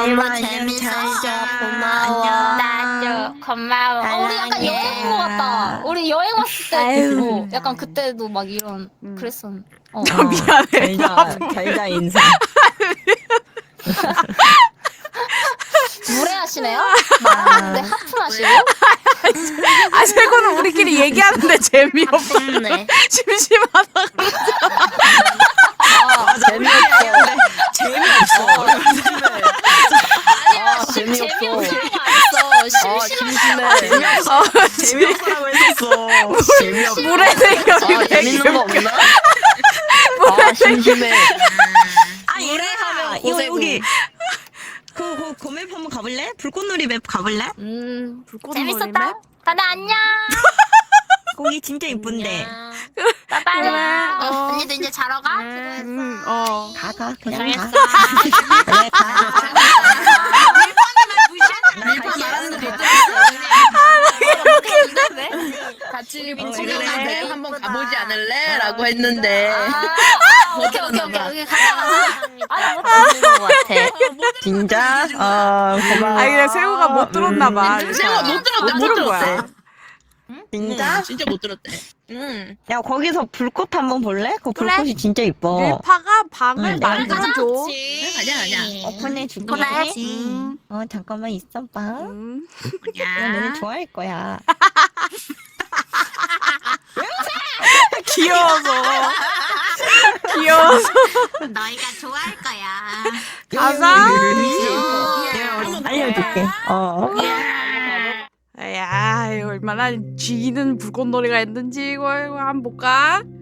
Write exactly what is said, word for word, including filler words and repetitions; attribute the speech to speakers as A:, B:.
A: 너무 재밌었어. 고마워.
B: 나도 고마워. 어, 우리 약간 여행 온 것 같다. 우리 여행 왔을 때,
C: 아유.
B: 어, 약간 그때도 막 이런
C: 음.
B: 그랬었. 어.
C: 아, 미안해.
A: 잘자 잘자 인사.
B: 무례하시네요? 말하는데 하품하시고?
C: 아, 세고는 우리끼리 얘기하는데 재미없어.
B: 네.
C: 심심하다.
B: 아,
A: 재미없어. 재미없어.
B: 아니야, 심 재미없는 거 아니었어. 심심해.
A: 재미없어.
C: 어,
A: 재미없어라고 했었어. 재미없어.
C: 무례대결이
A: 아,
C: 왜
A: 재밌는 거 없나? 아, 심심해. 아, 얘들아, 이거 여기 그, 그, 그 맵 한번 가볼래? 불꽃놀이 맵 가볼래?
B: 음,
C: 불꽃놀이
B: 재밌었다.
C: 맵?
B: 다들 안녕.
A: 거기 진짜 이쁜데.
B: 빠빠이.
C: 어.
B: 언니도 이제 자러 가?
C: 음, 어.
A: 가, 가, 그냥
B: 고생했어.
A: 가. 그래, 가.
D: 밀파 말하는 거 못 들었어. 같이
A: 그래.
D: 친구한테 한번 가보지 않을래? 라고 했는데
B: 아, 오케이, 오케이, 오케이. 오케이. 가자, 가자. 아, 못 들은 것 같아.
A: 진짜? 어, 고마워.
C: 아, 그냥 세우가 못 들었나 봐.
D: 세우가 못 들었대,
C: 못
D: 못
C: 들은 거야.
D: 들었대.
A: 진짜?
D: 진짜 못 들었대. 응.
A: 야, 거기서 불꽃 한번 볼래? 그
C: 그래.
A: 불꽃이 진짜 이뻐.
C: 밀파가 방을
A: 응,
C: 만들어줘.
D: 가자, 가자.
A: 오픈해줄게.
B: 보내야지.
C: 음,
A: 어, 잠깐만 있어봐.
C: 음.
A: 야, 너네 좋아할 거야.
C: 귀여워서. 귀여워서.
B: 너희가 좋아할 거야.
C: 가자.
A: 내가 알려줄게. 어.
C: 야, 이거 얼마나 쥐는 불꽃놀이가 있는지 이거, 이거 한번 볼까?